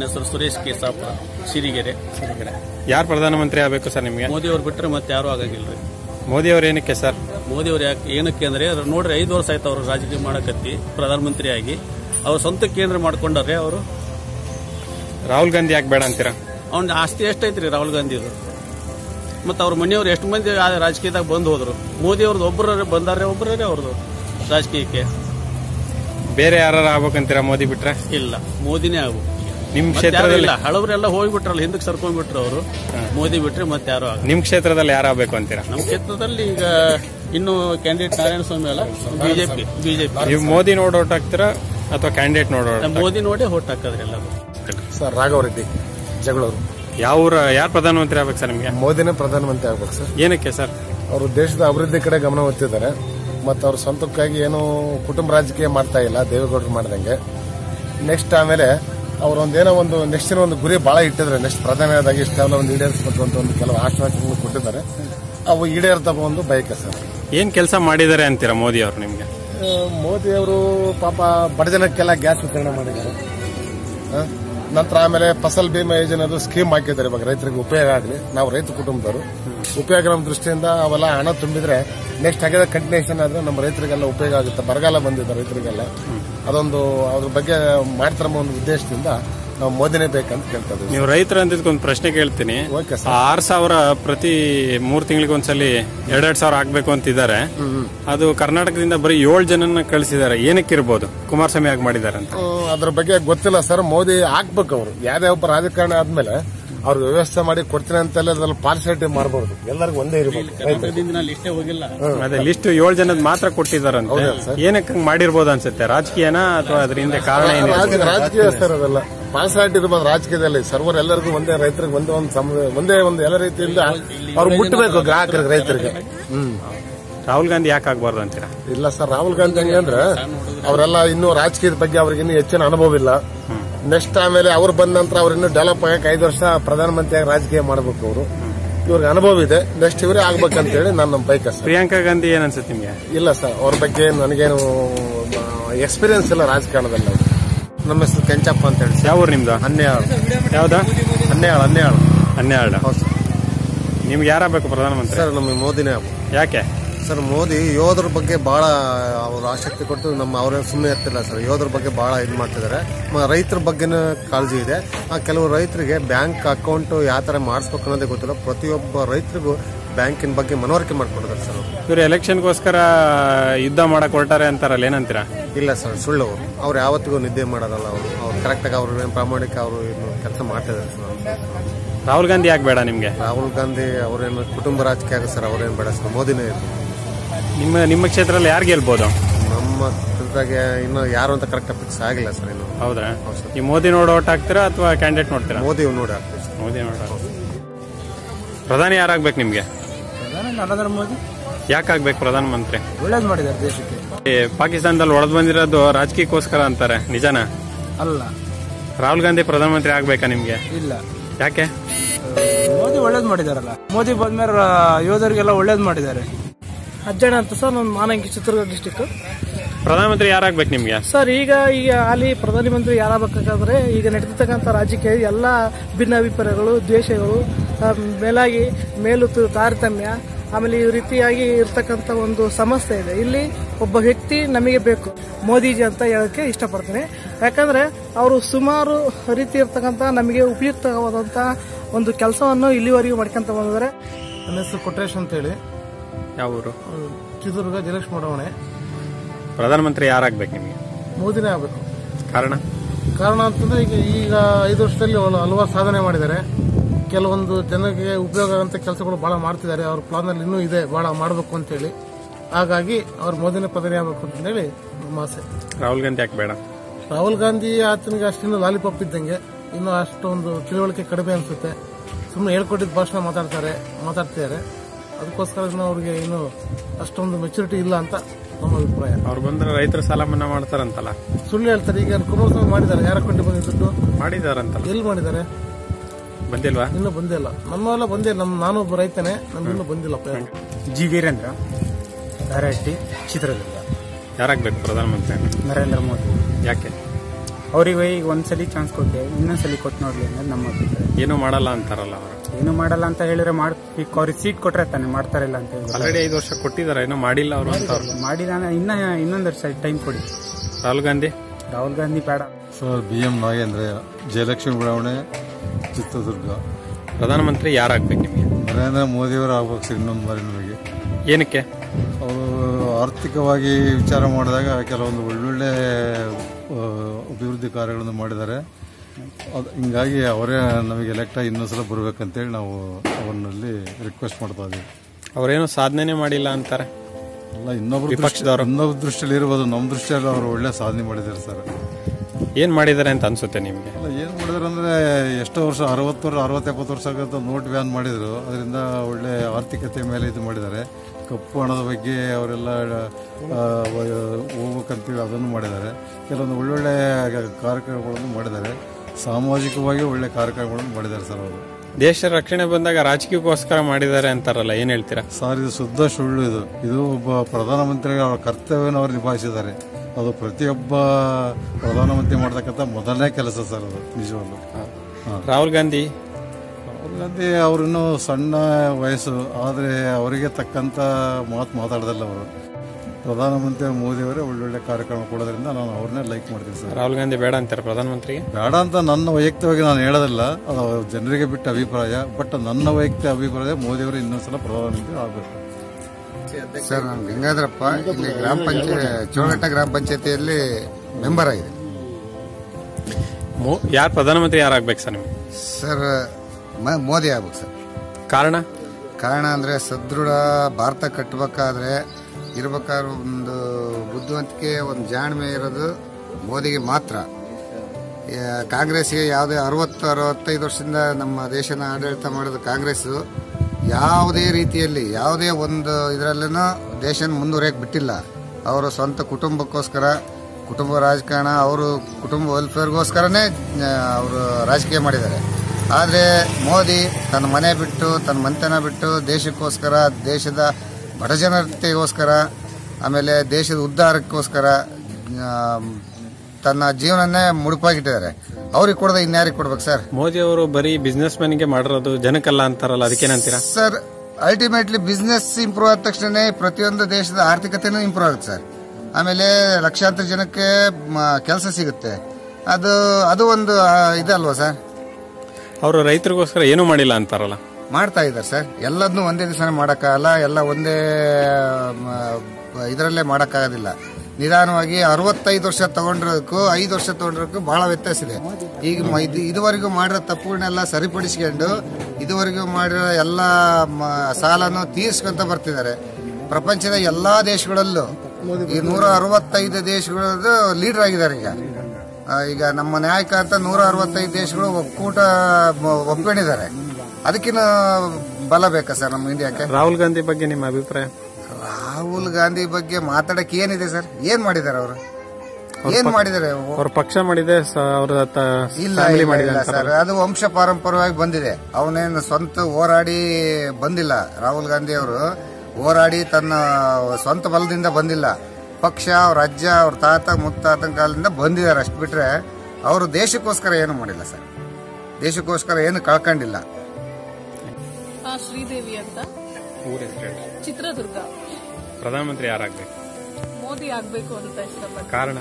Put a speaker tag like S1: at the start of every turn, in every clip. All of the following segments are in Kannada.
S1: ಹೆಸರು ಸುರೇಶ್ ಕೇಸಾಪುರ, ಸಿರಿಗೆರೆ.
S2: ಯಾರು ಪ್ರಧಾನಮಂತ್ರಿ ಆಗಬೇಕು ಸರ್ ನಿಮಗೆ?
S1: ಮೋದಿ ಅವ್ರು ಬಿಟ್ಟರೆ ಮತ್ತೆ ಯಾರು ಆಗಂಗಿಲ್ಲ ರೀ.
S2: ಮೋದಿ ಅವ್ರು ಏನಕ್ಕೆ ಸರ್?
S1: ಮೋದಿ ಅವ್ರು ಏನಕ್ಕೆ ಅಂದ್ರೆ ನೋಡ್ರಿ 5 ವರ್ಷ ಆಯ್ತು ಅವರು ರಾಜಕೀಯ ಮಾಡಕತ್ತಿ ಪ್ರಧಾನಮಂತ್ರಿ ಆಗಿ. ಅವ್ರು ಸ್ವಂತಕ್ಕೆ ಏನ್ರ ಮಾಡ್ಕೊಂಡಾರೆ ಅವರು.
S2: ರಾಹುಲ್ ಗಾಂಧಿ ಯಾಕೆ ಬೇಡ ಅಂತೀರಾ?
S1: ಅವ್ನ ಆಸ್ತಿ ಎಷ್ಟೈತ್ರಿ ರಾಹುಲ್ ಗಾಂಧಿದು? ಮತ್ತೆ ಅವ್ರ ಮನೆಯವ್ರು ಎಷ್ಟು ಮಂದಿ ರಾಜಕೀಯದಾಗ ಬಂದು ಹೋದ್ರು? ಮೋದಿ ಅವ್ರದ್ದು ಒಬ್ಬರೇ ಅವ್ರದ್ದು ರಾಜಕೀಯಕ್ಕೆ.
S2: ಬೇರೆ ಯಾರು ಆಗ್ಬೇಕಂತೀರಾ ಮೋದಿ ಬಿಟ್ರೆ?
S1: ಇಲ್ಲ, ಮೋದಿನೇ ಆಗ್ಬೇಕು.
S2: ನಿಮ್ ಕ್ಷೇತ್ರದಲ್ಲಿ
S1: ಹಳಬ್ರೆಲ್ಲ ಹೋಗ್ಬಿಟ್ರಲ್ಲ, ಹಿಂದಕ್ಕೆ ಸರ್ಕೊಂಡ್ಬಿಟ್ರು ಅವರು. ಮೋದಿ ಬಿಟ್ರೆ ಮತ್ತೆ ಯಾರು ಆಗ.
S2: ನಿಮ್ ಕ್ಷೇತ್ರದಲ್ಲಿ ಯಾರು ಆಗ್ಬೇಕು ಅಂತೀರಾ?
S1: ನಮ್ಮ ಕ್ಷೇತ್ರದಲ್ಲಿ ಈಗ ಇನ್ನು ಕ್ಯಾಂಡಿಡೇಟ್ ನಾರಾಯಣಸ್ವಾಮಿ ಅಲ್ಲ, ಬಿಜೆಪಿ.
S2: ನೀವು ಮೋದಿ ನೋಡಿ ಓಟ್ ಹಾಕ್ತೀರಾ ಅಥವಾ ಕ್ಯಾಂಡಿಡೇಟ್ ನೋಡಿ?
S1: ಮೋದಿ ನೋಡಿ ಓಟ್ ಹಾಕೋದ್ರಿ ಎಲ್ಲರೂ.
S3: ಸರ್ ರಾಘವ್ ರೆಡ್ಡಿ, ಜಗಳೂರು.
S2: ಯಾರು ಪ್ರಧಾನಮಂತ್ರಿ ಆಗ್ಬೇಕು ಸರ್ ನಿಮ್ಗೆ?
S3: ಮೋದಿನೇ ಪ್ರಧಾನಮಂತ್ರಿ ಆಗ್ಬೇಕು ಸರ್.
S2: ಏನಕ್ಕೆ ಸರ್?
S3: ಅವರು ದೇಶದ ಅಭಿವೃದ್ಧಿ ಕಡೆ ಗಮನ ಹೊತ್ತಿದ್ದಾರೆ. ಮತ್ತು ಅವ್ರ ಸ್ವಂತಕ್ಕಾಗಿ ಏನು ಕುಟುಂಬ ರಾಜಕೀಯ ಮಾಡ್ತಾ ಇಲ್ಲ, ದೇವೇಗೌಡರು ಮಾಡ್ದಂಗೆ. ನೆಕ್ಸ್ಟ್ ಆಮೇಲೆ ಅವರೊಂದೇನೋ ಒಂದು ನೆಕ್ಸ್ಟಿನ ಒಂದು ಗುರಿ ಬಹಳ ಇಟ್ಟಿದ್ರೆ, ನೆಕ್ಸ್ಟ್ ಪ್ರಧಾನವಾಗಿ ಇಷ್ಟೆಲ್ಲ ಒಂದು ಈಡೇರಿಸಬೇಕು ಅಂತ ಒಂದು ಕೆಲವು ಆಶ್ವಾಸನೆಗಳು ಕೊಟ್ಟಿದ್ದಾರೆ. ಅವು ಈಡೇರ್ತವ ಒಂದು ಬಯಕೆ ಸರ್.
S2: ಏನ್ ಕೆಲಸ ಮಾಡಿದ್ದಾರೆ ಅಂತೀರಾ ಮೋದಿ ಅವರು ನಿಮ್ಗೆ?
S3: ಮೋದಿ ಅವರು ಪಾಪ ಬಡ ಜನಕ್ಕೆಲ್ಲ ಗ್ಯಾಸ್ ವಿತರಣೆ ಮಾಡಿದ್ದಾರೆ. ನಂತರ ಆಮೇಲೆ ಫಸಲ್ ಬಿಮಾ ಯೋಜನೆದು ಸ್ಕೀಮ್ ಹಾಕಿದ್ದಾರೆ. ಇವಾಗ ರೈತರಿಗೆ ಉಪಯೋಗ ಆಗಲಿ, ನಾವು ರೈತ ಕುಟುಂಬದವರು ಉಪಯೋಗ ನಮ್ಮ ದೃಷ್ಟಿಯಿಂದ ಅವೆಲ್ಲ ಹಣ ತುಂಬಿದ್ರೆ ನೆಕ್ಸ್ಟ್ ಹಾಕಿದ ಕಂಟಿನ್ಯೂಷನ್ ಆದ್ರೆ ನಮ್ಮ ರೈತರಿಗೆಲ್ಲ ಉಪಯೋಗ ಆಗುತ್ತೆ. ಬರಗಾಲ ಬಂದಿದೆ ರೈತರಿಗೆಲ್ಲ, ಅದೊಂದು ಅದ್ರ ಬಗ್ಗೆ ಮಾಡ್ತಾರ ಒಂದು ಉದ್ದೇಶದಿಂದ ನಾವು ಮೋದಿನೇ ಬೇಕಂತ ಕೇಳ್ತಾ ಇದ್ದೀವಿ.
S2: ನೀವು ರೈತರ ಅಂತ ಒಂದು ಪ್ರಶ್ನೆ ಕೇಳ್ತೀನಿ. 6,000 ಪ್ರತಿ 3 ತಿಂಗಳಿಗೊಂದ್ಸಲಿ 2,000 ಹಾಕ್ಬೇಕು ಅಂತಿದ್ದಾರೆ. ಅದು ಕರ್ನಾಟಕದಿಂದ ಬರೀ 7 ಜನನ ಕಳಿಸಿದ್ದಾರೆ. ಏನಕ್ಕಿರ್ಬೋದು? ಕುಮಾರಸ್ವಾಮಿ ಆಗಿ ಮಾಡಿದ್ದಾರೆ ಅಂತ
S3: ಅದ್ರ ಬಗ್ಗೆ ಗೊತ್ತಿಲ್ಲ ಸರ್. ಮೋದಿ ಹಾಕ್ಬೇಕು. ಅವರು ಯಾವ್ದೇ ಒಬ್ಬ ರಾಜಕಾರಣಿ ಆದ್ಮೇಲೆ ಅವ್ರಿಗೆ ವ್ಯವಸ್ಥೆ ಮಾಡಿ ಕೊಡ್ತೀನಿ ಅಂತೆಲ್ಲ ಅದ್ರಲ್ಲಿ ಪಾರ್ಸಿಯಾಲಿಟಿ ಮಾಡಬಾರ್ದು. ಎಲ್ಲರಿಗೂ ಒಂದೇ ಇರಬೇಕು.
S2: ಅದೇ ಲಿಸ್ಟ್ 7 ಜನದ ಮಾತ್ರ ಕೊಟ್ಟಿದ್ದಾರಂತೆ. ಏನಕ್ಕೆ ಮಾಡಿರ್ಬೋದು ಅನ್ಸುತ್ತೆ? ರಾಜಕೀಯನ ಅಥವಾ ಅದ್ರ ಹಿಂದೆ ಕಾರಣ ಏನು?
S3: ರಾಜಕೀಯ ಸರ್, ಅದೆಲ್ಲ ಪಾರ್ಸಿಯಾಲಿಟಿ ಇರ್ಬೋದು ರಾಜಕೀಯದಲ್ಲಿ. ಸರ್ವರ್ ಎಲ್ಲರಿಗೂ ಒಂದೇ, ರೈತರಿಗೆ ಒಂದೇ ಒಂದು ಎಲ್ಲ ರೀತಿಯಿಂದ ಅವ್ರು ಮುಟ್ಟಬೇಕು ಗ್ರಾಹಕರಿಗೆ, ರೈತರಿಗೆ.
S2: ರಾಹುಲ್ ಗಾಂಧಿ ಯಾಕೆ ಆಗ್ಬಾರ್ದು ಅಂತೀರಾ?
S3: ಇಲ್ಲ ಸರ್, ರಾಹುಲ್ ಗಾಂಧಿ ಹೆಂಗೆ ಅಂದ್ರೆ ಅವರೆಲ್ಲ ಇನ್ನೂ ರಾಜಕೀಯದ ಬಗ್ಗೆ ಅವ್ರಿಗೆ ಇನ್ನೂ ಹೆಚ್ಚಿನ ಅನುಭವ ಇಲ್ಲ. ನೆಕ್ಸ್ಟ್ ಆಮೇಲೆ ಅವ್ರು ಬಂದ ನಂತರ ಅವ್ರು ಇನ್ನೂ ಡೆವಲಪ್ ಆಗಕ್ಕೆ 5 ವರ್ಷ ಪ್ರಧಾನಮಂತ್ರಿಯಾಗಿ ರಾಜಕೀಯ ಮಾಡಬೇಕು. ಅವರು ಇವ್ರಿಗೆ ಅನುಭವ ಇದೆ. ನೆಕ್ಸ್ಟ್ ಇವರೇ ಆಗ್ಬೇಕಂತೇಳಿ ನಮ್ಮ ಬೈಕ್ ಸರ್.
S2: ಪ್ರಿಯಾಂಕಾ ಗಾಂಧಿ ಏನ್ ಅನ್ಸುತ್ತೆ ನಿಮ್ಗೆ?
S3: ಇಲ್ಲ ಸರ್, ಅವ್ರ ಬಗ್ಗೆ ನನಗೇನು ಎಕ್ಸ್ಪೀರಿಯನ್ಸ್ ಇಲ್ಲ ರಾಜಕಾರಣದಲ್ಲಿ. ನಮ್ಮ ಹೆಸರು ಕೆಂಚಪ್ಪ ಅಂತ ಹೇಳಿ.
S2: ಯಾವ ಊರು ನಿಮ್ದು?
S3: ಹನ್ನೆರಡು.
S2: ಯಾವ್ದಾ? ಹನ್ನೆರಡು.
S3: ಹೌದು ಸರ್.
S2: ನಿಮ್ಗೆ ಯಾರಾಗಬೇಕು ಪ್ರಧಾನಮಂತ್ರಿ?
S3: ಸರ್ ನಮಗೆ ಮೋದಿನೇ ಆಗ್ಬೇಕು.
S2: ಯಾಕೆ
S3: ಸರ್? ಮೋದಿ ಯೋಧರ ಬಗ್ಗೆ ಬಹಳ ಅವರು ಆಸಕ್ತಿ ಕೊಟ್ಟು ಅವ್ರೇನು ಸುಮ್ಮನೆ ಇರ್ತಿಲ್ಲ ಸರ್. ಯೋಧರ ಬಗ್ಗೆ ಬಹಳ ಇದು ಮಾಡ್ತಿದ್ದಾರೆ. ರೈತರ ಬಗ್ಗೆನೂ ಕಾಳಜಿ ಇದೆ. ಕೆಲವು ರೈತರಿಗೆ ಬ್ಯಾಂಕ್ ಅಕೌಂಟ್ ಯಾವ ತರ ಮಾಡಿಸ್ಬೇಕು ಅನ್ನೋದೇ ಗೊತ್ತಿಲ್ಲ. ಪ್ರತಿಯೊಬ್ಬ ರೈತರಿಗೂ ಬ್ಯಾಂಕಿನ ಬಗ್ಗೆ ಮನವರಿಕೆ ಮಾಡ್ಕೊಡ್ತಾರೆ ಸರ್.
S2: ಇವರು ಎಲೆಕ್ಷನ್ಗೋಸ್ಕರ ಯುದ್ಧ ಮಾಡಕ್ ಹೊರಟಾರೆ ಅಂತಾರಲ್ಲ, ಏನಂತೀರಾ?
S3: ಇಲ್ಲ ಸರ್, ಸುಳ್ಳು. ಅವ್ರು ಯಾವತ್ತಿಗೂ ನಿದ್ದೆ ಮಾಡೋದಲ್ಲ. ಅವ್ರು ಕರೆಕ್ಟಾಗಿ ಅವ್ರು ಪ್ರಾಮಾಣಿಕ ಅವರು ಕೆಲಸ ಮಾಡ್ತಿದ್ದಾರೆ ಸರ್.
S2: ರಾಹುಲ್ ಗಾಂಧಿ ಯಾಕೆ ಬೇಡ ನಿಮ್ಗೆ?
S3: ರಾಹುಲ್ ಗಾಂಧಿ ಅವ್ರೇನು ಕುಟುಂಬ ರಾಜಕೀಯ ಆಗ ಸರ್, ಅವ್ರೇನು ಬೇಡ ಸರ್. ಮೋದಿನೇ
S2: ನಿಮ್ಮ ಕ್ಷೇತ್ರದಲ್ಲಿ ಯಾರು ಗೆಲ್ಬಹುದು?
S3: ನಮ್ಮ ಕ್ಷೇತ್ರದಾಗೆ ಇನ್ನು ಯಾರು ಅಂತ ಕರೆಕ್ಟ್ ಫಿಕ್ಸ್ ಆಗಿಲ್ಲ ಸರ್ ಇನ್ನು.
S2: ಹೌದಾ? ಈ ಮೋದಿ ನೋಡಿ ಓಟ್ ಹಾಕ್ತೀರಾ ಅಥವಾ ಕ್ಯಾಂಡಿಡೇಟ್ ನೋಡ್ತೀರಾ?
S3: ಮೋದಿ ನೋಡಿ ಹಾಕ್ತೀವಿ ಸರ್.
S2: ಮೋದಿ ನೋಡಿ. ಪ್ರಧಾನಿ ಯಾರಾಗ್ಬೇಕು ನಿಮ್ಗೆ?
S3: ನರೇಂದ್ರ ಮೋದಿ.
S2: ಯಾಕೆ ಆಗ್ಬೇಕು ಪ್ರಧಾನಮಂತ್ರಿ?
S3: ಒಳ್ಳೇದು ಮಾಡಿದ್ದಾರೆ ದೇಶಕ್ಕೆ.
S2: ಪಾಕಿಸ್ತಾನದಲ್ಲಿ ಹೊಡೆದು ಬಂದಿರೋದು ರಾಜಕೀಯಕ್ಕೋಸ್ಕರ ಅಂತಾರೆ, ನಿಜಾನ?
S3: ಅಲ್ಲ.
S2: ರಾಹುಲ್ ಗಾಂಧಿ ಪ್ರಧಾನಮಂತ್ರಿ ಆಗ್ಬೇಕಾ ನಿಮ್ಗೆ?
S3: ಇಲ್ಲ.
S2: ಯಾಕೆ?
S3: ಮೋದಿ ಒಳ್ಳೇದು ಮಾಡಿದಾರಲ್ಲ. ಮೋದಿ ಬಂದ್ಮೇಲೆ ಯೋಧರಿಗೆಲ್ಲ ಒಳ್ಳೇದು ಮಾಡಿದ್ದಾರೆ.
S4: ಅಜ್ಜಣ್ಣ ಅಂತ ಸರ್, ನನ್ನ ಮಾನಂಗಿ, ಚಿತ್ರದುರ್ಗ ಡಿಸ್ಟಿಕ್.
S2: ಪ್ರಧಾನಮಂತ್ರಿ ಯಾರಾಗ್ಬೇಕು ನಿಮ್ಗೆ?
S4: ಸರ್ ಈಗ ಅಲ್ಲಿ ಪ್ರಧಾನಮಂತ್ರಿ ಯಾರಾಗಬೇಕಾದ್ರೆ ಈಗ ನಡೀತಕ್ಕಂಥ ರಾಜಕೀಯ ಎಲ್ಲ ಭಿನ್ನಾಭಿಪ್ರಾಯಗಳು, ದ್ವೇಷಗಳು, ಮೇಲಾಗಿ ಮೇಲು ತಾರತಮ್ಯ, ಆಮೇಲೆ ಈ ರೀತಿಯಾಗಿ ಇರ್ತಕ್ಕಂಥ ಒಂದು ಸಮಸ್ಯೆ ಇದೆ. ಇಲ್ಲಿ ಒಬ್ಬ ವ್ಯಕ್ತಿ ನಮಗೆ ಬೇಕು, ಮೋದಿಜಿ ಅಂತ ಹೇಳಕ್ಕೆ ಇಷ್ಟಪಡ್ತೀನಿ. ಯಾಕಂದ್ರೆ ಅವರು ಸುಮಾರು ರೀತಿ ಇರ್ತಕ್ಕಂಥ ನಮಗೆ ಉಪಯುಕ್ತವಾದಂತ ಒಂದು ಕೆಲಸವನ್ನು ಇಲ್ಲಿವರೆಗೂ ಮಾಡ್ಕೊಂತ ಬಂದಿದ್ದಾರೆ.
S3: ನನ್ನ ಹೆಸರು ಕೊಟ್ರೇಶ್ ಅಂತ ಹೇಳಿ.
S2: ಯಾವ ಊರು?
S3: ಚಿತ್ರದುರ್ಗ ಜಲಕ್ಷ ಮಾಡೋಣೆ.
S2: ಪ್ರಧಾನಮಂತ್ರಿ ಯಾರಾಗ್ಬೇಕು ನಿಮಗೆ?
S3: ಮೋದಿನೇ ಆಗಬೇಕು.
S2: ಕಾರಣ
S3: ಅಂತಂದ್ರೆ ಈಗ 5 ವರ್ಷದಲ್ಲಿ ಹಲವಾರು ಸಾಧನೆ ಮಾಡಿದ್ದಾರೆ. ಕೆಲವೊಂದು ಜನರಿಗೆ ಉಪಯೋಗ ಆಗುವಂತ ಕೆಲಸಗಳು ಬಹಳ ಮಾಡ್ತಿದ್ದಾರೆ. ಅವ್ರ ಪ್ಲಾನ್ ಅಲ್ಲಿ ಇನ್ನೂ ಇದೆ ಬಹಳ ಮಾಡಬೇಕು ಅಂತ ಹೇಳಿ. ಹಾಗಾಗಿ ಅವ್ರು ಮೋದಿನೇ ಪ್ರಧಾನಿ ಆಗಬೇಕು ಅಂತ ಹೇಳಿ ನಮ್ಮ ಆಸೆ.
S2: ರಾಹುಲ್ ಗಾಂಧಿ ಯಾಕೆ ಬೇಡ?
S3: ರಾಹುಲ್ ಗಾಂಧಿ ಆತನಿಗೆ ಅಷ್ಟಿನ್ನು ಲಾಲಿಪಾಪ್ ಇದ್ದಂಗೆ, ಇನ್ನೂ ಅಷ್ಟೊಂದು ತಿಳುವಳಿಕೆ ಕಡಿಮೆ ಅನ್ಸುತ್ತೆ. ಸುಮ್ಮನೆ ಹೇಳ್ಕೊಟ್ಟಿದ್ದ ಭಾಷಣ ಮಾತಾಡ್ತಿದ್ದಾರೆ. ಅದಕ್ಕೋಸ್ಕರ ಅವ್ರಿಗೆ ಇನ್ನೂ ಅಷ್ಟೊಂದು ಮೆಚುರಿಟಿ ಇಲ್ಲ ಅಂತ ನಮ್ಮ ಅಭಿಪ್ರಾಯ.
S2: ಅವ್ರು ಬಂದ್ರೆ ರೈತರ ಸಾಲ ಮನ್ನಾ ಮಾಡ್ತಾರಂತಲ್ಲ,
S3: ಸುಳ್ಳು ಹೇಳ್ತಾರೆ. ಈಗ ಕುಮಾರಸ್ವಾಮಿ ಮಾಡಿದ್ದಾರೆ, ಯಾರ ಕೊಂಡು ಬಂದಿದ್ದು ದುಡ್ಡು
S2: ಮಾಡಿದಾರಂತಲ್ಲ?
S3: ಎಲ್ಲಿ ಮಾಡಿದ್ದಾರೆ?
S2: ಬಂದಿಲ್ವಾ?
S3: ಇನ್ನೂ ಬಂದಿಲ್ಲ. ನಮ್ಮೆಲ್ಲ ಬಂದೇ. ನಾನೊಬ್ಬ ರೈತನೇ, ನಮ್ಗಿನ್ನೂ ಬಂದಿಲ್ಲಪ್ಪ.
S5: ಜಿ ವೀರೇಂದ್ರ, ಧಾರಹಟ್ಟಿ, ಚಿತ್ರದುರ್ಗ.
S2: ಯಾರಾಗ್ಬೇಕು ಪ್ರಧಾನಮಂತ್ರಿ?
S5: ನರೇಂದ್ರ ಮೋದಿ.
S2: ಯಾಕೆ?
S5: ಅವ್ರಿಗೆ ಈಗ ಒಂದ್ಸಲಿ ಚಾನ್ಸ್ ಕೊಟ್ಟೆ, ಇನ್ನೊಂದ್ಸಲಿ ಕೊಟ್ಟು ನೋಡ್ಲಿ ಅನ್ನೋದು ನಮ್ಮ ಅಭಿಪ್ರಾಯ.
S2: ಏನು ಮಾಡಲ್ಲ ಅಂತಾರಲ್ಲ ಅವರು.
S5: ಏನು ಮಾಡಲ್ಲ ಅಂತ ಹೇಳಿದ್ರೆ ಅವ್ರಿಗೆ ಸೀಟ್ ಕೊಟ್ರೆ ತಾನೆ ಮಾಡ್ತಾರಿಲ್ಲ ಅಂತ ಹೇಳಿ.
S2: ಆಲ್ರೆಡಿ 5 ವರ್ಷ ಕೊಟ್ಟಿದ್ದಾರೆ, ಏನೋ ಮಾಡಿಲ್ಲ ಅವರು ಅಂತ.
S5: ಮಾಡಿದ ಇನ್ನೊಂದು ವರ್ಷ ಟೈಮ್ ಕೊಡಿ.
S2: ರಾಹುಲ್ ಗಾಂಧಿ
S5: ಬೇಡ
S6: ಸರ್. BM ನಾಗೇಂದ್ರ, ಜಯಲಕ್ಷ್ಮಿ ಬಡಾವಣೆ, ಚಿತ್ರದುರ್ಗ.
S2: ಪ್ರಧಾನಮಂತ್ರಿ ಯಾರಾಗ್ಬೇಕು ನಿಮಗೆ?
S6: ನರೇಂದ್ರ ಮೋದಿಯವರು ಆಗ್ಬೇಕು ಸರ್ ಇನ್ನೊಂದು ಬಾರಿ ನಮಗೆ.
S2: ಏನಕ್ಕೆ?
S6: ಅವರು ಆರ್ಥಿಕವಾಗಿ ವಿಚಾರ ಮಾಡಿದಾಗ ಕೆಲವೊಂದು ಒಳ್ಳೊಳ್ಳೆ ಅಭಿವೃದ್ಧಿ ಕಾರ್ಯಗಳನ್ನು ಮಾಡಿದ್ದಾರೆ. ಹಿಂಗಾಗಿ ಅವರೇ ನಮಗೆ ಎಲೆಕ್ಟ್ ಆಗಿ ಇನ್ನೊಂದ್ಸಲ ಬರ್ಬೇಕಂತೇಳಿ ನಾವು ಅವರಲ್ಲಿ ರಿಕ್ವೆಸ್ಟ್ ಮಾಡ್ತಾ ಇದ್ದೀವಿ.
S2: ಅವರೇನು ಸಾಧನೆ ಮಾಡಿಲ್ಲ ಅಂತಾರೆ.
S6: ಅಲ್ಲ, ಇನ್ನೊಬ್ಬರ ದೃಷ್ಟಿಯಲ್ಲಿ ಇರ್ಬೋದು, ನಮ್ಮ ದೃಷ್ಟಿಯಲ್ಲಿ ಅವರು ಒಳ್ಳೆ ಸಾಧನೆ ಮಾಡಿದ್ದಾರೆ ಸರ್.
S2: ಏನ್ ಮಾಡಿದ್ದಾರೆ ಅಂತ ಅನ್ಸುತ್ತೆ ನಿಮಗೆ?
S6: ಅಲ್ಲ, ಏನ್ ಮಾಡಿದಾರೆ ಅಂದ್ರೆ ಎಷ್ಟೋ ವರ್ಷ 60-70 ವರ್ಷ ಆಗತ್ತ ನೋಟ್ ಬ್ಯಾನ್ ಮಾಡಿದ್ರು. ಅದರಿಂದ ಒಳ್ಳೆ ಆರ್ಥಿಕತೆ ಮೇಲೆ ಇದು ಮಾಡಿದ್ದಾರೆ. ಕಪ್ಪು ಹಣದ ಬಗ್ಗೆ ಅವರೆಲ್ಲ ಹೋಗ್ಬೇಕಂತೀವಿ, ಅದನ್ನು ಮಾಡಿದ್ದಾರೆ. ಕೆಲವೊಂದು ಒಳ್ಳೊಳ್ಳೆ ಕಾರ್ಯಕ್ರಮಗಳನ್ನು ಮಾಡಿದ್ದಾರೆ. ಸಾಮಾಜಿಕವಾಗಿ ಒಳ್ಳೆ ಕಾರ್ಯಕ್ರಮಗಳನ್ನು ಮಾಡಿದ್ದಾರೆ ಸರ್ ಅವರು.
S2: ದೇಶ ರಕ್ಷಣೆ ಬಂದಾಗ ರಾಜಕೀಯಕ್ಕೋಸ್ಕರ ಮಾಡಿದ್ದಾರೆ ಅಂತಾರಲ್ಲ, ಏನ್ ಹೇಳ್ತೀರಾ
S6: ಸರ್? ಇದು ಶುದ್ಧ ಸುಳ್ಳು. ಇದು ಒಬ್ಬ ಪ್ರಧಾನಮಂತ್ರಿ ಅವರ ಕರ್ತವ್ಯವನ್ನು ಅವರು ನಿಭಾಯಿಸಿದ್ದಾರೆ. ಅದು ಪ್ರತಿಯೊಬ್ಬ ಪ್ರಧಾನಮಂತ್ರಿ ಮಾಡತಕ್ಕಂಥ ಮೊದಲನೇ ಕೆಲಸ ಸರ್ ಅದು, ನಿಜವಾಗ್ಲು.
S2: ರಾಹುಲ್ ಗಾಂಧಿ
S6: ಅವ್ರಿನ್ನೂ ಸಣ್ಣ ವಯಸ್ಸು, ಆದರೆ ಅವರಿಗೆ ತಕ್ಕಂತ ಮಾತಾಡೋದಲ್ಲ ಅವರು. ಪ್ರಧಾನಮಂತ್ರಿ ಮೋದಿಯವರೇ ಒಳ್ಳೊಳ್ಳೆ ಕಾರ್ಯಕ್ರಮ ಕೊಡೋದ್ರಿಂದ ನಾನು ಅವ್ರನ್ನೇ ಲೈಕ್ ಮಾಡ್ತೀನಿ ಸರ್.
S2: ರಾಹುಲ್ ಗಾಂಧಿ ಬೇಡ ಅಂತಾರೆ ಪ್ರಧಾನಮಂತ್ರಿಗೆ?
S6: ಬೇಡ ಅಂತ ನನ್ನ ವೈಯಕ್ತಿಕವಾಗಿ ನಾನು ಹೇಳೋದಿಲ್ಲ, ಅದು ಜನರಿಗೆ ಬಿಟ್ಟ ಅಭಿಪ್ರಾಯ. ಬಟ್ ನನ್ನ ವೈಯಕ್ತಿಕ ಅಭಿಪ್ರಾಯ ಮೋದಿಯವರು ಇನ್ನೊಂದ್ಸಲ ಪ್ರಧಾನಮಂತ್ರಿ ಆಗಬೇಕು
S7: ಸರ್. ನಾನು ಗಂಗಾಧರಪ್ಪ, ಇಲ್ಲಿ ಚೋಳಘಟ್ಟ ಗ್ರಾಮ ಪಂಚಾಯತಿಯಲ್ಲಿ ಮೆಂಬರ್ ಆಗಿದೆ.
S2: ಯಾರು ಪ್ರಧಾನಮಂತ್ರಿ ಯಾರಾಗ್ಬೇಕು ಸರ್ ನಿಮ್ಗೆ?
S7: ಸರ್, ಮೋದಿ ಆಗ್ಬೇಕು ಸರ್. ಕಾರಣ ಅಂದ್ರೆ ಸದೃಢ ಭಾರತ ಕಟ್ಟಬೇಕಾದ್ರೆ ಇರ್ಬೇಕಾದ್ರೆ ಒಂದು ಬುದ್ಧಿವಂತಿಕೆ, ಒಂದು ಜಾಣ್ಮೆ ಇರೋದು ಮೋದಿಗೆ ಮಾತ್ರ. ಕಾಂಗ್ರೆಸ್ಗೆ ಯಾವುದೇ 60-65 ವರ್ಷದಿಂದ ನಮ್ಮ ದೇಶನ ಆಡಳಿತ ಮಾಡೋದು ಕಾಂಗ್ರೆಸ್. ಯಾವುದೇ ರೀತಿಯಲ್ಲಿ ಯಾವುದೇ ಒಂದು ಇದರಲ್ಲೂ ದೇಶನ ಮುಂದುವರಿಯಕ್ಕೆ ಬಿಟ್ಟಿಲ್ಲ. ಅವರು ಸ್ವಂತ ಕುಟುಂಬಕ್ಕೋಸ್ಕರ, ಕುಟುಂಬ ರಾಜಕಾರಣ, ಅವರು ಕುಟುಂಬ ವೆಲ್ಫೇರ್ಗೋಸ್ಕರನೇ ಅವರು ರಾಜಕೀಯ ಮಾಡಿದ್ದಾರೆ. ಆದರೆ ಮೋದಿ ತನ್ನ ಮನೆ ಬಿಟ್ಟು, ತನ್ನ ಮನೆತನ ಬಿಟ್ಟು ದೇಶಕ್ಕೋಸ್ಕರ, ದೇಶದ ಬಡ ಜನತೆಗೋಸ್ಕರ, ಆಮೇಲೆ ದೇಶದ ಉದ್ಧಾರಕ್ಕೋಸ್ಕರ ತನ್ನ ಜೀವನನೇ ಮುಡುಪಾಗಿಟ್ಟಿದ್ದಾರೆ. ಅವ್ರಿಗೆ ಕೊಡದೆ ಇನ್ಯಾರಿಗೆ ಕೊಡ್ಬೇಕು ಸರ್?
S2: ಮೋದಿ ಅವರು ಬರೀ ಬಿಸ್ನೆಸ್ ಮ್ಯಾನ್ಗೆ ಮಾಡಿರೋದು, ಜನಕ್ಕಲ್ಲ ಅಂತಾರಲ್ಲ, ಅದಕ್ಕೇನಂತೀರಾ
S7: ಸರ್? ಅಲ್ಟಿಮೇಟ್ಲಿ ಬಿಸ್ನೆಸ್ ಇಂಪ್ರೂವ್ ಆದ ತಕ್ಷಣ ಪ್ರತಿಯೊಂದು ದೇಶದ ಆರ್ಥಿಕತೆನೂ ಇಂಪ್ರೂವ್ ಆಗುತ್ತೆ ಸರ್. ಆಮೇಲೆ ಲಕ್ಷಾಂತರ ಜನಕ್ಕೆ ಕೆಲಸ ಸಿಗುತ್ತೆ. ಅದು ಒಂದು ಇದಲ್ವಾ ಸರ್?
S2: ಅವರು ರೈತರಿಗೋಸ್ಕರ ಏನೂ ಮಾಡಿಲ್ಲ ಅಂತಾರಲ್ಲ.
S7: ಮಾಡ್ತಾ ಇದ್ದಾರೆ ಸರ್. ಎಲ್ಲದನ್ನೂ ಒಂದೇ ದಿವಸನೇ ಮಾಡೋಕ್ಕಾಗಲ್ಲ, ಎಲ್ಲ ಒಂದೇ ಇದರಲ್ಲೇ ಮಾಡೋಕ್ಕಾಗೋದಿಲ್ಲ. ನಿಧಾನವಾಗಿ 65 ವರ್ಷ ತಗೊಂಡಿರೋದಕ್ಕೂ 5 ವರ್ಷ ತಗೊಂಡಿರೋದಕ್ಕೂ ಬಹಳ ವ್ಯತ್ಯಾಸ ಇದೆ. ಈಗ ಇದುವರೆಗೂ ಮಾಡಿರೋ ತಪ್ಪುಗಳನ್ನೆಲ್ಲ ಸರಿಪಡಿಸ್ಕೊಂಡು ಇದುವರೆಗೂ ಮಾಡಿರೋ ಎಲ್ಲ ಸಾಲನ್ನು ತೀರಿಸ್ಕೊಂತ ಬರ್ತಿದ್ದಾರೆ. ಪ್ರಪಂಚದ ಎಲ್ಲಾ ದೇಶಗಳಲ್ಲೂ ಈ 165 ದೇಶಗಳದ್ದು ಲೀಡರ್ ಆಗಿದ್ದಾರೆ. ಈಗ ನಮ್ಮ ನಾಯಕ ಅಂತ 165 ದೇಶಗಳು ಒಕ್ಕೂಟ ಒಪ್ಕೊಂಡಿದ್ದಾರೆ. ಅದಕ್ಕಿಂತ ಬಲ ಬೇಕಾ ಸರ್ ನಮ್ಮ ಇಂಡಿಯಾಕ್ಕೆ?
S2: ರಾಹುಲ್ ಗಾಂಧಿ ಬಗ್ಗೆ ನಿಮ್ಮ ಅಭಿಪ್ರಾಯ?
S7: ರಾಹುಲ್ ಗಾಂಧಿ ಬಗ್ಗೆ ಮಾತಾಡಕ್ಕೆ ಏನಿದೆ ಸರ್? ಏನ್ ಮಾಡಿದ್ದಾರೆ ಅವರು? ಏನ್ ಮಾಡಿದ್ದಾರೆ?
S2: ಅವ್ರ ಪಕ್ಷ ಮಾಡಿದೆ,
S7: ಇಲ್ಲ ಸರ್. ಅದು ವಂಶ ಪಾರಂಪರ್ಯವಾಗಿ ಬಂದಿದೆ. ಅವನೇನು ಸ್ವಂತ ಹೋರಾಡಿ ಬಂದಿಲ್ಲ. ರಾಹುಲ್ ಗಾಂಧಿ ಅವರು ಹೋರಾಡಿ ತನ್ನ ಸ್ವಂತ ಬಲದಿಂದ ಬಂದಿಲ್ಲ. ಪಕ್ಷ, ಅವ್ರ ಅಜ್ಜ, ಅವ್ರ ತಾತ ಮುತ್ತಾತನ ಕಾಲದಿಂದ ಬಂದಿದ್ದಾರೆ. ಅಷ್ಟು ಬಿಟ್ರೆ ಅವರು ದೇಶಕ್ಕೋಸ್ಕರ ಏನು ಮಾಡಿಲ್ಲ ಸರ್. ದೇಶಕ್ಕೋಸ್ಕರ ಏನು ಕಳ್ಕೊಂಡಿಲ್ಲ.
S8: ಶ್ರೀದೇವಿ ಅಂತ, ಚಿತ್ರದುರ್ಗ.
S2: ಪ್ರಧಾನಮಂತ್ರಿ ಯಾರಾಗ್ಬೇಕು?
S8: ಮೋದಿ ಆಗ್ಬೇಕು ಅಂತ ಇಷ್ಟಪಡ್ತೀನಿ.
S2: ಕಾರಣ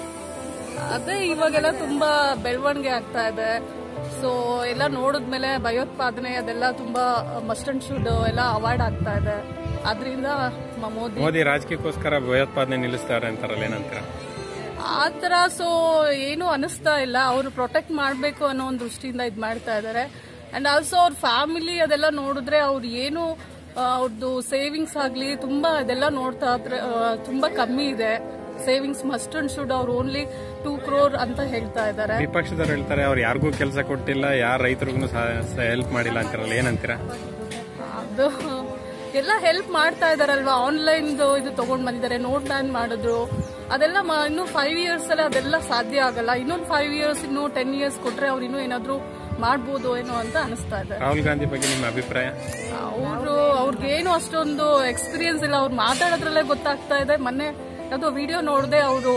S8: ಅದೇ ಇವಾಗೆಲ್ಲ ತುಂಬಾ ಬೆಳವಣಿಗೆ ಆಗ್ತಾ ಇದೆ. ಸೊ ಎಲ್ಲ ನೋಡಿದ್ಮೇಲೆ ಭಯೋತ್ಪಾದನೆ ಅದೆಲ್ಲ ತುಂಬಾ ಮಸ್ಟ್ ಅಂಡ್ ಶುಡ್ ಎಲ್ಲ ಅವಾಯ್ಡ್ ಆಗ್ತಾ ಇದೆ. ಆದ್ರಿಂದ
S2: ಮೋದಿ ರಾಜಕೀಯಕ್ಕೋಸ್ಕರ ಭಯೋತ್ಪಾದನೆ ನಿಲ್ಲಿಸ್ತಾರೆ ಅಂತಾರಲ್ಲ, ಏನಂತೀರ?
S8: ಆತರ ಸೊ ಏನು ಅನಿಸ್ತಾ ಇಲ್ಲ. ಅವರು ಪ್ರೊಟೆಕ್ಟ್ ಮಾಡಬೇಕು ಅನ್ನೋ ಒಂದು ದೃಷ್ಟಿಯಿಂದ ಇದ್ ಮಾಡ್ತಾ ಇದ್ದಾರೆ. ಅಂಡ್ ಆಲ್ಸೋ ಅವ್ರ ಫ್ಯಾಮಿಲಿ ಅದೆಲ್ಲ ನೋಡಿದ್ರೆ ಅವ್ರು ಏನು ಅವ್ರದ್ದು ಸೇವಿಂಗ್ಸ್ ಆಗ್ಲಿ ತುಂಬಾ ಅದೆಲ್ಲ ನೋಡ್ತಾ ಇದ್ರೆ ತುಂಬಾ ಕಮ್ಮಿ ಇದೆ. ಸೇವಿಂಗ್ಸ್ ಮಸ್ಟ್ ಅಂಡ್ ಶುಡ್ ಅವ್ರು ಓನ್ಲಿ 2 crore ಅಂತ ಹೇಳ್ತಾ ಇದ್ದಾರೆ.
S2: ವಿಪಕ್ಷದವ್ರು ಹೇಳ್ತಾರೆ ಅವ್ರು ಯಾರಿಗೂ ಕೆಲಸ ಕೊಟ್ಟಿಲ್ಲ, ಯಾರ ರೈತರಿಗೂ ಹೆಲ್ಪ್ ಮಾಡಿಲ್ಲ ಅಂತಾರಲ್ಲ, ಏನಂತೀರಾ?
S8: ಅದು ಎಲ್ಲ ಹೆಲ್ಪ್ ಮಾಡ್ತಾ ಇದಾರಲ್ವಾ. ಆನ್ಲೈನ್ ಇದು ತಗೊಂಡ್ ಬಂದಿದ್ದಾರೆ, ನೋಟ್ ಬ್ಯಾನ್ ಮಾಡಿದ್ರು. ಅದೆಲ್ಲ ಇನ್ನು 5 years ಅಲ್ಲಿ ಅದೆಲ್ಲ ಸಾಧ್ಯ ಆಗಲ್ಲ. ಇನ್ನೊಂದು 5 years, ಇನ್ನು 10 years ಕೊಟ್ರೆ ಅವ್ರು ಇನ್ನೂ ಏನಾದ್ರು ಮಾಡ್ಬೋದು ಏನೋ ಅಂತ ಅನಿಸ್ತಾ ಇದೆ.
S2: ರಾಹುಲ್ ಗಾಂಧಿ ಬಗ್ಗೆ ನಿಮ್ಮ ಅಭಿಪ್ರಾಯ?
S8: ಅವ್ರಿಗೇನು ಅಷ್ಟೊಂದು ಎಕ್ಸ್ಪೀರಿಯನ್ಸ್ ಇಲ್ಲ. ಅವ್ರು ಮಾತಾಡೋದ್ರಲ್ಲೇ ಗೊತ್ತಾಗ್ತಾ ಇದೆ. ಮೊನ್ನೆ ಯಾವುದೋ ವಿಡಿಯೋ ನೋಡಿದೆ, ಅವರು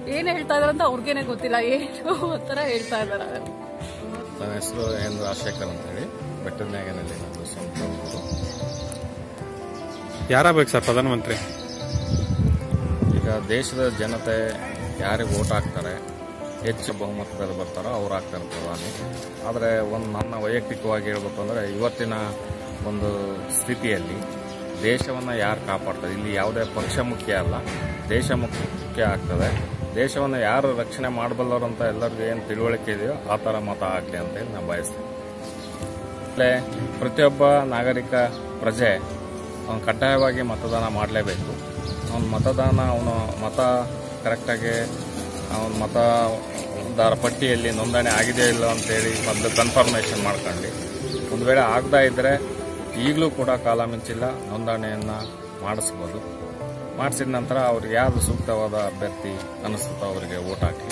S8: ಏನ್ ಹೇಳ್ತಾ ಇದಾರೆ ಅಂತ ಅವ್ರಿಗೇನೆ ಗೊತ್ತಿಲ್ಲ, ಏನು ಒಂಥರ ಹೇಳ್ತಾ ಇದಾರೆ.
S9: ನನ್ನ ಹೆಸರು ಎನ್ ರಾಜಶೇಖರ್ ಅಂತ ಹೇಳಿ, ಬೆಟ್ಟದ ಮ್ಯಾಗನಲ್ಲಿ ನಮ್ಮದು ಸ್ವಂತ ಊರು.
S2: ಯಾರಾಗಬೇಕು ಸರ್ ಪ್ರಧಾನಮಂತ್ರಿ?
S9: ಈಗ ದೇಶದ ಜನತೆ ಯಾರಿಗೆ ವೋಟ್ ಹಾಕ್ತಾರೆ, ಹೆಚ್ಚು ಬಹುಮತದಲ್ಲಿ ಬರ್ತಾರೋ ಅವ್ರು ಆಗ್ತಾರೆ ಪ್ರಧಾನಿ. ಆದರೆ ನನ್ನ ವೈಯಕ್ತಿಕವಾಗಿ ಹೇಳ್ಬೇಕು ಅಂದರೆ ಇವತ್ತಿನ ಒಂದು ಸ್ಥಿತಿಯಲ್ಲಿ ದೇಶವನ್ನು ಯಾರು ಕಾಪಾಡ್ತಾರೆ, ಇಲ್ಲಿ ಯಾವುದೇ ಪಕ್ಷ ಮುಖ್ಯ ಅಲ್ಲ, ದೇಶ ಮುಖ್ಯ ಆಗ್ತದೆ. ದೇಶವನ್ನು ಯಾರು ರಕ್ಷಣೆ ಮಾಡಬಲ್ಲರು ಅಂತ ಎಲ್ಲರಿಗೂ ಏನು ತಿಳುವಳಿಕೆ ಇದೆಯೋ ಆ ಥರ ಮತ ಹಾಕಲಿ ಅಂತ ಹೇಳಿ ನಾನು ಬಯಸ್ತೇನೆ. ಪ್ರತಿಯೊಬ್ಬ ನಾಗರಿಕ ಪ್ರಜೆ ಅವನು ಕಡ್ಡಾಯವಾಗಿ ಮತದಾನ ಮಾಡಲೇಬೇಕು. ಅವನು ಮತ ಕರೆಕ್ಟಾಗಿ ಅವನ ಮತದಾರ ಪಟ್ಟಿಯಲ್ಲಿ ನೋಂದಣಿ ಆಗಿದೆಯೋ ಇಲ್ಲ ಅಂತೇಳಿ ಮೊದಲು ಕನ್ಫರ್ಮೇಷನ್ ಮಾಡ್ಕೊಂಡು, ಒಂದು ವೇಳೆ ಆಗದೇ ಇದ್ದರೆ ಈಗಲೂ ಕೂಡ ಕಾಲ ಮಿಂಚಿಲ್ಲ, ನೋಂದಣಿಯನ್ನು ಮಾಡಿಸ್ಬೋದು. ಮಾಡಿಸಿದ ನಂತರ ಅವ್ರಿಗೆ ಯಾವುದು ಸೂಕ್ತವಾದ ಅಭ್ಯರ್ಥಿ ಅನಿಸುತ್ತೋ ಅವರಿಗೆ ವೋಟ್ ಹಾಕಿ.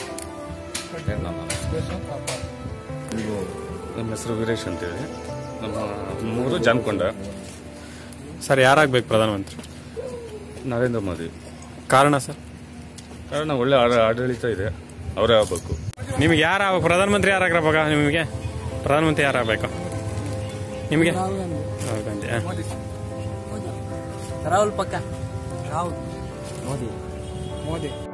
S10: ನಮ್ಮ ಹೆಸರು ವೀರೇಶ್ ಅಂತೇಳಿ, ನಮ್ಮ ಮೂರು ಜಾನ್ಕೊಂಡ.
S2: ಸರ್ ಯಾರಾಗಬೇಕು ಪ್ರಧಾನಮಂತ್ರಿ?
S10: ನರೇಂದ್ರ ಮೋದಿ.
S2: ಕಾರಣ ಸರ್?
S10: ಕಾರಣ ಒಳ್ಳೆ ಆಡಳಿತ ಇದೆ, ಅವರೇ ಆಗಬೇಕು.
S2: ನಿಮಗೆ ಪ್ರಧಾನಮಂತ್ರಿ ಯಾರಾಗ್ರವಾಗ? ನಿಮಗೆ ಪ್ರಧಾನಮಂತ್ರಿ ಯಾರಾಗಬೇಕು ನಿಮಗೆ? ರಾಹುಲ್ ಗಾಂಧಿ.
S11: ರಾಹುಲ್ ಪಕ್ಕ. ರಾಹುಲ್ ಮೋದಿ.